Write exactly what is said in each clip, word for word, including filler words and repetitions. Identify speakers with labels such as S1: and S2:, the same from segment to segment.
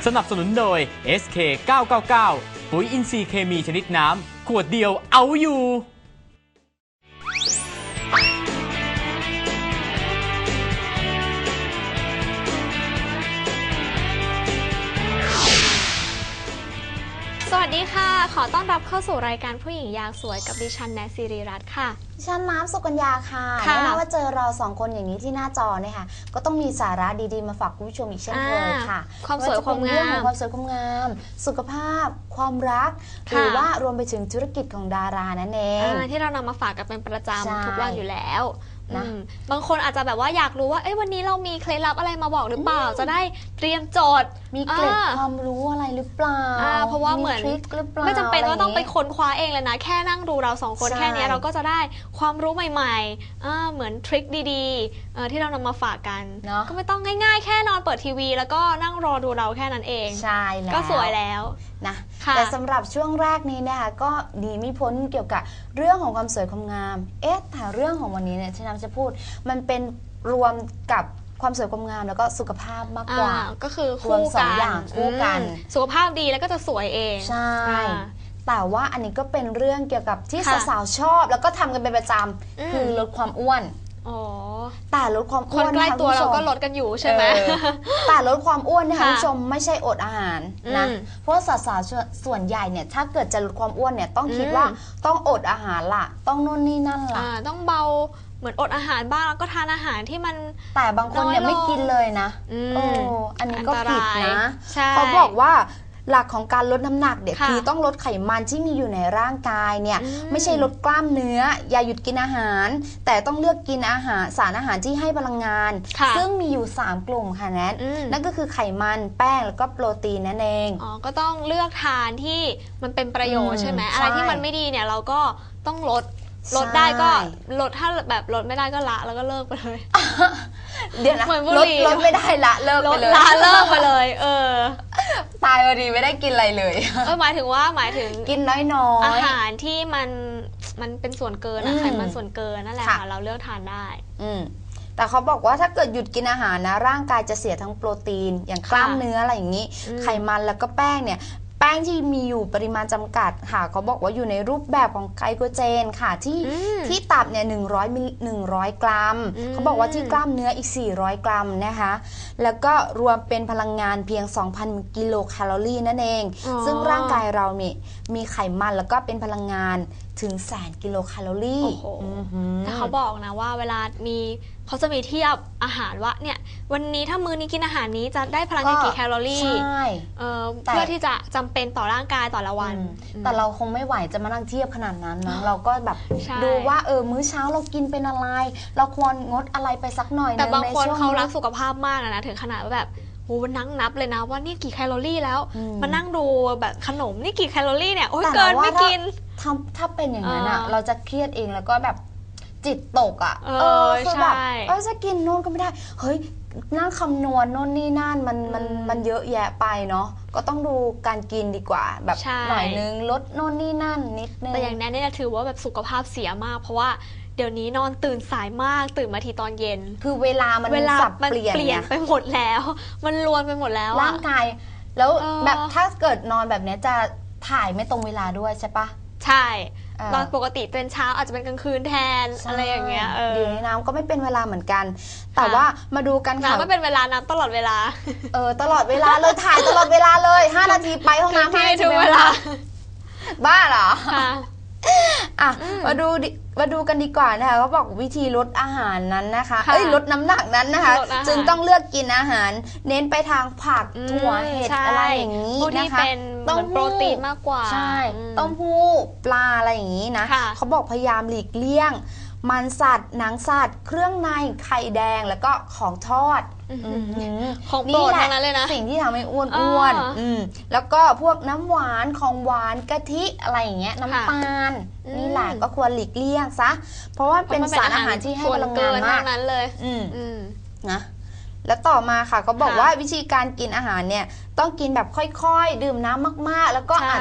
S1: นับสนุนโดย เอส เค เก้า เก้า เก้า ปุ๋ยอินทรีย์เคมีชนิดน้ำขวดเดียวเอาอยู่
S2: สวัสดีค่ะขอต้อนรับเข้าสู่รายการผู้หญิงอยากสวยกับดิฉันแนทศิริรัตน์ค่ะ
S3: ดิฉันน้ำสุกัญญาค่ะแน่นอนว่าเจอเราสองคนอย่างนี้ที่หน้าจอเนี่ยค่ะก็ต้องมีสาระดีๆมาฝากคุณผู้ชมอีกเช่นเคยค่ะ
S2: ความสวยความงาม
S3: ความสวยความงามสุขภาพความรักหรือว่ารวมไปถึงธุรกิจของดารานั่นเอง
S2: ที่เรานำมาฝากกันเป็นประจำทุกวันอยู่แล้ว
S3: นะ
S2: บางคนอาจจะแบบว่าอยากรู้ว่าเอ้ยวันนี้เรามีเคล็ดลับอะไรมาบอกหรือเปล่าจะได้เตรียมจด
S3: มีเกล็ดความรู้อะไรหรือเปล่า
S2: เพราะว่าเหมือนไม่จำเป็นว่าต้องไปค้นคว้าเองเลยนะแค่นั่งดูเราสองคนแค่นี้เราก็จะได้ความรู้ใหม่ๆเหมือนทริคดีๆที่เรานำมาฝากกันก็ไม่ต้องง่ายๆแค่นอนเปิดทีวีแล้วก็นั่งรอดูเราแค่นั้นเอง
S3: ใช่แล้ว
S2: ก็สวยแล้ว
S3: นะแต่สำหรับช่วงแรกนี้นะคะก็ดีไม่พ้นเกี่ยวกับเรื่องของความสวยความงามเอ๊ะแต่เรื่องของวันนี้เนี่ยที่น้ำจะพูดมันเป็นรวมกับความสวยความงามแล้วก็สุขภาพมากกว่า
S2: ก็คือคู่
S3: กันสองอย่างคู่กัน
S2: สุขภาพดีแล้วก็จะสวยเอง
S3: ใช่แต่ว่าอันนี้ก็เป็นเรื่องเกี่ยวกับที่สาวๆชอบแล้วก็ทำกันเป็นประจำคือลดความอ้วนแต่ลดความอ้วน
S2: คนใกล้ตัวเราก็ลดกันอยู่ใช่ไหม
S3: แต่ลดความอ้วนเนี่ยคุณผู้ชมไม่ใช่อดอาหารนะเพราะสาวๆส่วนใหญ่เนี่ยถ้าเกิดจะลดความอ้วนเนี่ยต้องคิดว่าต้องอดอาหารล่ะต้องนู่นนี่นั่นล่ะ
S2: ต้องเบาเหมือนอดอาหารบ้างแล้วก็ทานอาหารที่มัน
S3: แต่บางคนเนี่ยไม่กินเลยนะโอ้อันนี้ก็ผิดนะเขาบอกว่าหลักของการลดน้ำหนักเนี่ยคือต้องลดไขมันที่มีอยู่ในร่างกายเนี่ยไม่ใช่ลดกล้ามเนื้ออย่าหยุดกินอาหารแต่ต้องเลือกกินอาหารสารอาหารที่ให้พลังงานซึ่งมีอยู่สามกลุ่มค่ะแนทนั่นก็คือไขมันแป้งแล้วก็โปรตีนนั่นเอง
S2: อ๋อก็ต้องเลือกทานที่มันเป็นประโยชน์ใช่ไหมอะไรที่มันไม่ดีเนี่ยเราก็ต้องลดลดได้ก็ลดถ้าแบบลดไม่ได้ก็ละแล้วก็เลิกไปเลย
S3: เดี๋ยวนะลดลดไม่ได้ละเลิกไปเลย
S2: ละเลิกไปเลยเออ
S3: ตายพอดีไม่ได้กินอะไรเลย
S2: เออหมายถึงว่าหมายถึง
S3: กินน้อยๆ
S2: อาหารที่มันมันเป็นส่วนเกินไขมันส่วนเกินนั่นแหละค่ะเราเลือกทานได้
S3: อืมแต่เขาบอกว่าถ้าเกิดหยุดกินอาหารนะร่างกายจะเสียทั้งโปรตีนอย่างกล้ามเนื้ออะไรอย่างนี้ไขมันแล้วก็แป้งเนี่ยแป้งที่มีอยู่ปริมาณจำกัดค่ะเขาบอกว่าอยู่ในรูปแบบของไกลโคเจนค่ะที่ที่ตับเนี่ยหนึ่งร้อยมิลหนึ่งร้อยกรัมเขาบอกว่าที่กล้ามเนื้ออีกสี่ร้อยกรัมนะคะแล้วก็รวมเป็นพลังงานเพียง สองพัน กิโลแคลอรี่นั่นเองซึ่งร่างกายเราเนี่ยมีไขมันแล้วก็เป็นพลังงานถึงแสนกิโลแคลอรี่
S2: แต่เขาบอกนะว่าเวลามีเขาจะมีเทียบอาหารว่าเนี่ยวันนี้ถ้ามื้อนี้กินอาหารนี้จะได้พลังงานกี่แคลอรี่เพื่อที่จะจำเป็นต่อร่างกายต่อละวัน
S3: แต่เราคงไม่ไหวจะมานั่งเทียบขนาดนั้นนะเราก็แบบดูว่าเออมื้อเช้าเรากินเป็นอะไรเราควรงดอะไรไปสักหน่อย
S2: แต่บางคนเขารักสุขภาพมากนะถึงขนาดว่าแบบโอ้มันนั่งนับเลยนะว่านี่กี่แคลอรี่แล้วมานั่งดูแบบขนมนี่กี่แคลอรี่เนี่ยโอ้ยเกินไม่กิน
S3: ถ้าถ้าเป็นอย่างนั้นอ่ะเราจะเครียดเองแล้วก็แบบจิตตกอ่ะเออคือแบบเออจะกินโน่นก็ไม่ได้เฮ้ยนั่งคำนวณโน่นนี่นั่นมันมันมันเยอะแยะไปเนาะก็ต้องดูการกินดีกว่าแบบหน่อยนึงลดโน่นนี่นั่นนิดนึง
S2: แต่อย่างนั้นเนี่ยถือว่าแบบสุขภาพเสียมากเพราะว่าเดี๋ยวนี้นอนตื่นสายมากตื่นมาทีตอนเย็น
S3: คือเวลามันสับเปลี่ยน
S2: เปลี่ยนไปหมดแล้วมันรวนไปหมดแล้ว
S3: ร่างกายแล้วแบบถ้าเกิดนอนแบบนี้จะถ่ายไม่ตรงเวลาด้วยใช่ปะ
S2: ใช่ตอนปกติเป็นเช้าอาจจะเป็นกลางคืนแทนอะไรอย่างเงี้ยเออ
S3: เดี๋ยวนี้น้ำก็ไม่เป็นเวลาเหมือนกันแต่ว่ามาดูกันค่ะ
S2: น้ำไม่เป็นเวลาน้ำตลอดเวลา
S3: เออตลอดเวลาเลยถ่ายตลอดเวลาเลยห้านาทีไปห้องน้ำห้านาทีเวลาบ้าเหรออ่ะมาดูมาดูกันดีกว่านะคะเขาบอกวิธีลดอาหารนั้นนะคะเอ้ยลดน้ำหนักนั้นนะคะจึงต้องเลือกกินอาหารเน้นไปทางผักถั่วเห็ดอะไรอย่างนี้นะคะ
S2: ต้องโปรตีนมากกว่า
S3: ใช่ต้มหู้ปลาอะไรอย่างนี้นะเขาบอกพยายามหลีกเลี่ยงมันสัตว์หนังสัตว์เครื่องในไข่แดงแล้วก็ของทอด
S2: ของโปรดทั้งนั้นเลยนะ
S3: สิ่งที่ทำให้อ้วนอ้วนแล้วก็พวกน้ำหวานของหวานกะทิอะไรอย่างเงี้ยน้ำตาลนี่แหละก็ควรหลีกเลี่ยงซะเพราะว่าเป็นสารอาหารที่ให้พลังงานมาก
S2: นั้นเลย
S3: นะแล้วต่อมาค่ะเขาบอกว่าวิธีการกินอาหารเนี่ยต้องกินแบบค่อยๆดื่มน้ำมากๆแล้วก็อาจจะแบบ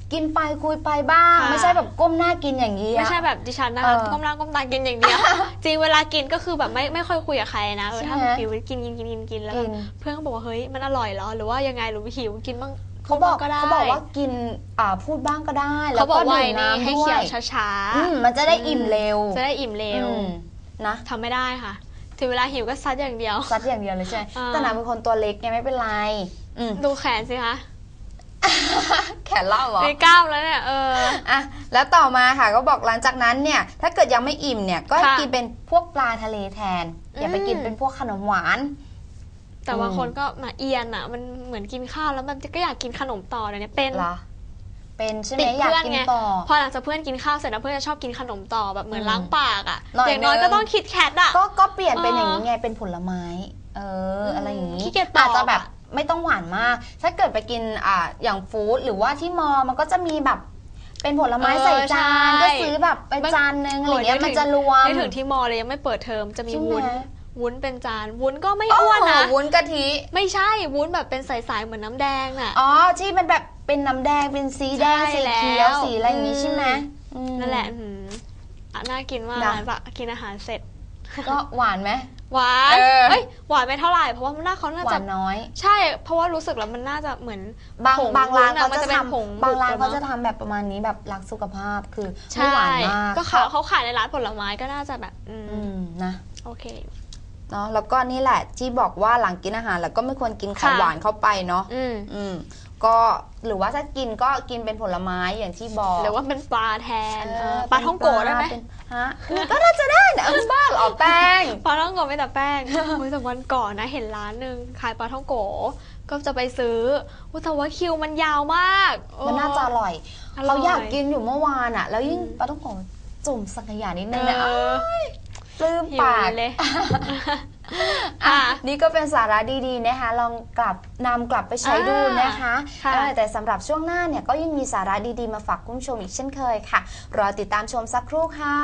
S3: กินไปคุยไปบ้างไม่ใช่แบบก้มหน้ากินอย่างนี้
S2: ไม่ใช่แบบดิฉันนะคะก้มหน้าก้มตากินอย่างเดียวจริงเวลากินก็คือแบบไม่ไม่ค่อยคุยกับใครนะเออถ้าหิวกินกินกินกินกินแล้วเพื่อนก็บอกว่าเฮ้ยมันอร่อยเหรอหรือว่ายังไงหรือหิวกินบ้าง
S3: เขาบอกเขาบอกว่ากินอ่าพูดบ้างก็ได้แล้วก็ดื่มน้ำ
S2: ให้เคี้ยวช้า
S3: ๆมันจะได้อิ่มเร็ว
S2: จะได้อิ่มเร็ว
S3: นะ
S2: ทำไม่ได้ค่ะถึงเวลาหิวก็ซัดอย่างเดียว
S3: ซัดอย่างเดียวเลยใช่แต่นางเป็นคนตัวเล็กไงไม่เป็นไร
S2: ดูแขนสิคะ
S3: แขนเล่าเหรอ
S2: มีกล้ามแล้วเนี่ยเออ
S3: อ่ะแล้วต่อมาค่ะก็บอกหลังจากนั้นเนี่ยถ้าเกิดยังไม่อิ่มเนี่ยก็กินเป็นพวกปลาทะเลแทนอย่าไปกินเป็นพวกขนมหวาน
S2: แต่บางคนก็มาเอียนอ่ะมันเหมือนกินข้าวแล้วมันก็อยากกินขนมต่อเนี่ยเป็น
S3: เหรอเป็นใช่ไหมอยากกินต่อ
S2: พอหลังจากเพื่อนกินข้าวเสร็จแล้วเพื่อนจะชอบกินขนมต่อแบบเหมือนล้างปากอ่ะอย่างน้อยก็ต้องคิดแคทอ่ะ
S3: ก็ก็เปลี่ยนเป็นอย่างนี้ไงเป็นผลไม้เอออะไรอย่างนี้อาจจะแบบไม่ต้องหวานมากถ้าเกิดไปกินอ่าอย่างฟู้ดหรือว่าที่มอมันก็จะมีแบบเป็นผลไม้ใส่จานก็ซื้อแบบไปจานนึงอะไรเงี้ยมันจะรวม
S2: ไม่ถึงที่มอเลยยังไม่เปิดเทอมจะมีวุ้นวุ้นเป็นจานวุ้นก็ไม่อ้วนนะ
S3: วุ้นกะทิ
S2: ไม่ใช่วุ้นแบบเป็นใสๆเหมือนน้ำแดงน่ะ
S3: อ๋อที่มันแบบเป็นน้ำแดงเป็นสีแดงสีเขียวสีอะไรอย่างนี้ใช่ไหม
S2: นั่นแหละน่ากินมากนะกินอาหารเสร็จ
S3: ก็หวานไหม
S2: หวานเอ้ยหวานไม่เท่าไหร่เพราะว่ามันน่าเขาน่าจะ
S3: น้อย
S2: ใช่เพราะว่ารู้สึกแล้วมันน่าจะเหมือน
S3: บางบางร้านเขาจะทำบางร้านเขาจะทำแบบประมาณนี้แบบรักสุขภาพคือไม่หวานมาก
S2: ก็เขาเขาขายในร้านผลไม้ก็น่าจะแบบอื
S3: มนะ
S2: โอเค
S3: เนาะแล้วก็นี่แหละที่บอกว่าหลังกินอาหารแล้วก็ไม่ควรกินของหวานเข้าไปเนาะอืมอืมก็หรือว่าถ้ากินก็กินเป็นผลไม้อย่างที่บอก
S2: หรือว่าเป็นปลาแทนปลาท่องโกะได้ไหม
S3: ฮะก็น่าจะได้นะบ้าหรอแป้ง
S2: ปลาท่องโกะไม่แต่แป้งเมื่อวันก่อนนะเห็นร้านหนึ่งขายปลาท่องโกะก็จะไปซื้อแต่ว่าคิวมันยาวมาก
S3: มันน่าจะอร่อยเขาอยากกินอยู่เมื่อวานอ่ะแล้วยิ่งปลาท่องโกะจุ่มสังขยานิดนึงนะปลื้มปาก
S2: เลย
S3: อ่ะนี่ก็เป็นสาระดีๆนะคะลองกลับนำกลับไปใช้ดูนะคะแต่สำหรับช่วงหน้าเนี่ยก็ยังมีสาระดีๆมาฝากคุณผู้ชมอีกเช่นเคยค่ะรอติดตามชมสักครู่ค่ะ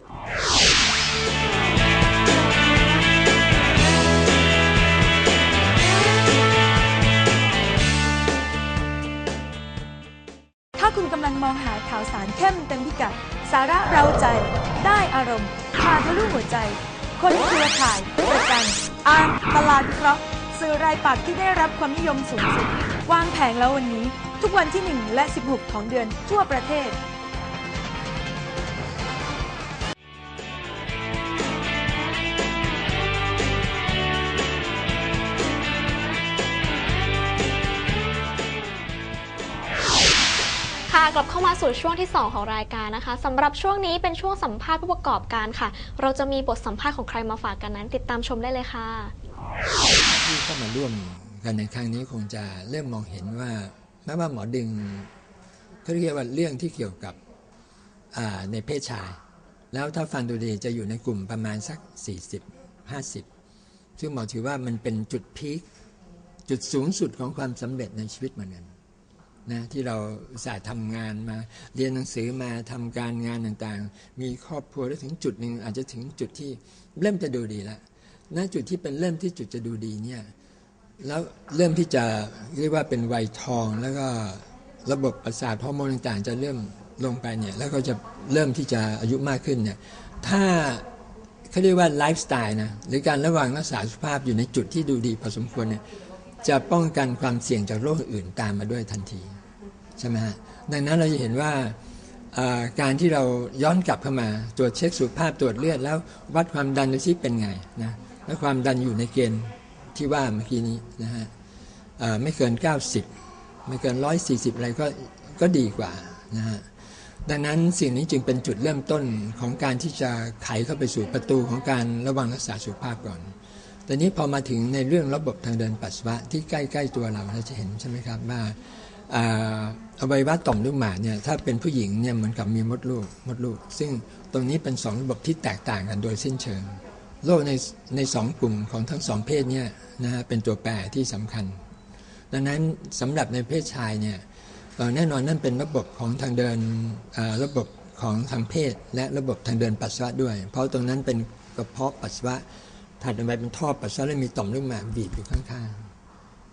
S4: ถ้าคุณกำลังมองหาข่าวสารเข้มเต็มพิกัดสาระเราใจได้อารมณ์พาทะลุหัวใจคนเครือข่ายประกันอ่านตลาดวิเคราะห์สื่อรายปักษ์ที่ได้รับความนิยมสูงสุดวางแผงแล้ววันนี้ทุกวันที่หนึ่งและสิบหกของเดือนทั่วประเทศ
S2: กลับเข้ามาสู่ช่วงที่สองของรายการนะคะสำหรับช่วงนี้เป็นช่วงสัมภาษณ์ผู้ประกอบการค่ะเราจะมีบทสัมภาษณ์ของใครมาฝากกันนั้นติดตามชมได้เลยค่ะ
S5: ที่เข้ามาร่วมกันในครั้งนี้คงจะเริ่มมองเห็นว่าแม้ว่าหมอดึงเขาเรียกว่าเรื่องที่เกี่ยวกับในเพศชายแล้วถ้าฟังดูดีจะอยู่ในกลุ่มประมาณสักสี่สิบ ห้าสิบซึ่งหมอถือว่ามันเป็นจุดพีคจุดสูงสุดของความสำเร็จในชีวิตเหมือนกันนะที่เราสายทำงานมาเรียนหนังสือมาทำการงานต่างๆมีครอบครัวแล้วถึงจุดหนึ่งอาจจะถึงจุดที่เริ่มจะดูดีแล้วณจุดที่เป็นเริ่มที่จุดจะดูดีเนี่ยแล้วเริ่มที่จะเรียกว่าเป็นวัยทองแล้วก็ระบบประสาทฮอร์โมนต่างๆจะเริ่มลงไปเนี่ยแล้วก็จะเริ่มที่จะอายุมากขึ้นเนี่ยถ้าเขาเรียกว่าไลฟ์สไตล์นะหรือการระวังรักษาสุขภาพอยู่ในจุดที่ดูดีพอสมควรเนี่ยจะป้องกันความเสี่ยงจากโรคอื่นตามมาด้วยทันทีใช่ไหมฮะดังนั้นเราจะเห็นว่าการที่เราย้อนกลับเข้ามาตรวจเช็คสุขภาพตรวจเลือดแล้ววัดความดันดูซิเป็นไงนะและความดันอยู่ในเกณฑ์ที่ว่าเมื่อกี้นี้นะฮะไม่เกินเก้าสิบไม่เกินหนึ่งร้อยสี่สิบอะไรก็ก็ดีกว่านะฮะดังนั้นสิ่งนี้จึงเป็นจุดเริ่มต้นของการที่จะไขเข้าไปสู่ประตูของการระวังรักษาสุขภาพก่อนแต่นี้พอมาถึงในเรื่องระบบทางเดินปัสสาวะที่ใกล้ๆตัวเราเราจะเห็นใช่ไหมครับว่าอวัยวะต่อมลูกหมากเนี่ยถ้าเป็นผู้หญิงเนี่ยเหมือนกับมีมดลูกมดลูกซึ่งตรงนี้เป็นสองระบบที่แตกต่างกันโดยสิ้นเชิงโรคในในสองกลุ่มของทั้งสองเพศเนี่ยนะฮะเป็นตัวแปรที่สำคัญดังนั้นสำหรับในเพศชายเนี่ยแน่นอนนั่นเป็นระบบของทางเดินระบบของทางเพศและระบบทางเดินปัสสาวะด้วยเพราะตรงนั้นเป็นกระเพาะปัสสาวะถัดออกไปเป็นท่อปัสสาวะและมีต่อมลูกหมากบีบอยู่ข้างๆ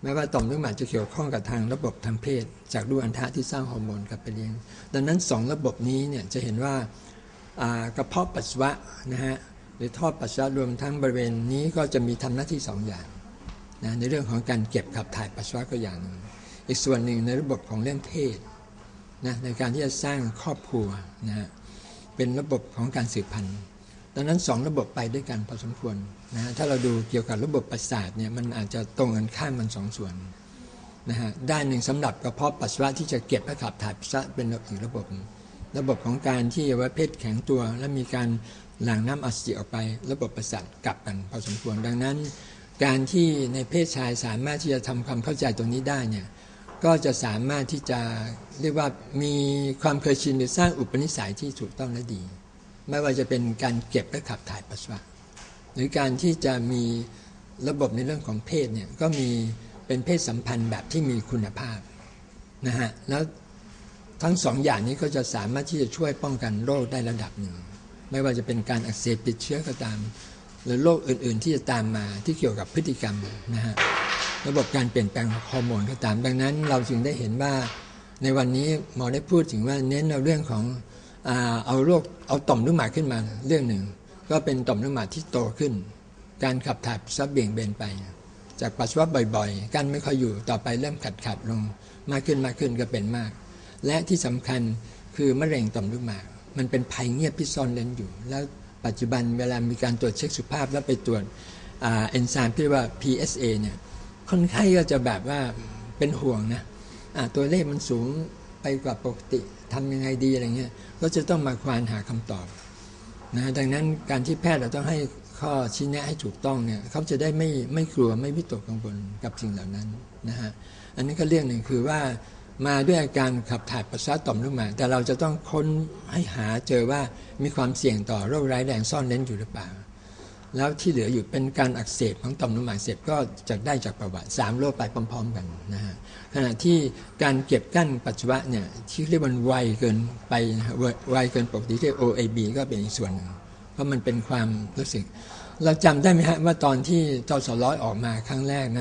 S5: แม้ว่าต่อมลูกหมากจะเกี่ยวข้องกับทางระบบทางเพศจากลูกอัณฑะที่สร้างฮอร์โมนกลับไปเลี้ยงดังนั้นสองระบบนี้เนี่ยจะเห็นว่ากระเพาะปัสสาวะนะฮะหรือท่อปัสสาวะรวมทั้งบริเวณนี้ก็จะมีทำหน้าที่สองอย่างนะในเรื่องของการเก็บขับถ่ายปัสสาวะก็อย่างหนึ่งอีกส่วนหนึ่งในระบบของเรื่องเพศนะในการที่จะสร้างครอบครัวนะฮะเป็นระบบของการสืบพันธุ์ดังนั้นสองระบบไปด้วยกันพอสมควรนะถ้าเราดูเกี่ยวกับระบบประสาทเนี่ยมันอาจจะตรงกันข้ามมันสองส่วนนะฮะด้านหนึ่งสำหรับกระเพาะปัสสาวะที่จะเก็บและขับถ่ายปัสสาวะเป็นอีกระบบระบบของการที่อวัยวะเพศแข็งตัวและมีการหลั่งน้ำอสุจิออกไประบบประสาทกลับกันพอสมควรดังนั้นการที่ในเพศชายสามารถที่จะทำความเข้าใจตรงนี้ได้เนี่ยก็จะสามารถที่จะเรียกว่ามีความเคยชินหรือสร้างอุปนิสัยที่ถูกต้องและดีไม่ว่าจะเป็นการเก็บและขับถ่ายปัสสาวะหรือการที่จะมีระบบในเรื่องของเพศเนี่ยก็มีเป็นเพศสัมพันธ์แบบที่มีคุณภาพนะฮะแล้วทั้งสองอย่างนี้ก็จะสามารถที่จะช่วยป้องกันโรคได้ระดับหนึ่งไม่ว่าจะเป็นการอักเสบติดเชื้อก็ตามหรือโรคอื่นๆที่จะตามมาที่เกี่ยวกับพฤติกรรมนะฮะระบบการเปลี่ยนแปลงฮอร์โมนก็ตามดังนั้นเราจึงได้เห็นว่าในวันนี้หมอได้พูดถึงว่าเน้นเอาเรื่องของเอาโรคเอาต่อมลูกหมากขึ้นมาเรื่องหนึ่งก็เป็นต่อมลูกหมากที่โตขึ้นการขับถ่ายปัสสาวะเบี่ยงเบนไปจากปัสสาวะบ่อยๆกันไม่ค่อยอยู่ต่อไปเริ่มขัดขัดลงมากขึ้นมากขึ้นก็เป็นมากและที่สำคัญคือมะเร็งต่อมลูกหมากมันเป็นภัยเงียบที่ซ่อนเร้นอยู่แล้วปัจจุบันเวลามีการตรวจเช็คสุขภาพแล้วไปตรวจเอนไซม์ที่เรียกว่า พี เอส เอ เนี่ยคนไข้ก็จะแบบว่าเป็นห่วงนะตัวเลขมันสูงไปกว่าปกติทำยังไงดีอะไรเงี้ยก็จะต้องมาควานหาคำตอบนะดังนั้นการที่แพทย์เราต้องให้ข้อชี้แนะให้ถูกต้องเนี่ยเขาจะได้ไม่ไม่กลัวไม่วิตกกังวลกับสิ่งเหล่านั้นนะฮะอันนี้ก็เรื่องหนึ่งคือว่ามาด้วยอาการขับถ่ายปัสสาวะต่อมลูกหมากแต่เราจะต้องค้นให้หาเจอว่ามีความเสี่ยงต่อโรคร้ายแรงซ่อนเร้นอยู่หรือเปล่าแล้วที่เหลืออยู่เป็นการอักเสบของต่อมลูกหมากเสพก็จะได้จากประวัติสามโรคไปพร้อมๆกันนะฮะขณะที่การเก็บกั้นปัสสาวะเนี่ยที่เรียกว่าไวเกินไปไวเกินปกติที่ โอ เอ บี ก็เป็นอีกส่วนหนึ่งเพราะมันเป็นความรู้สึกเราจำได้ไหมฮะว่าตอนที่จสร้อยออกมาครั้งแรกนะ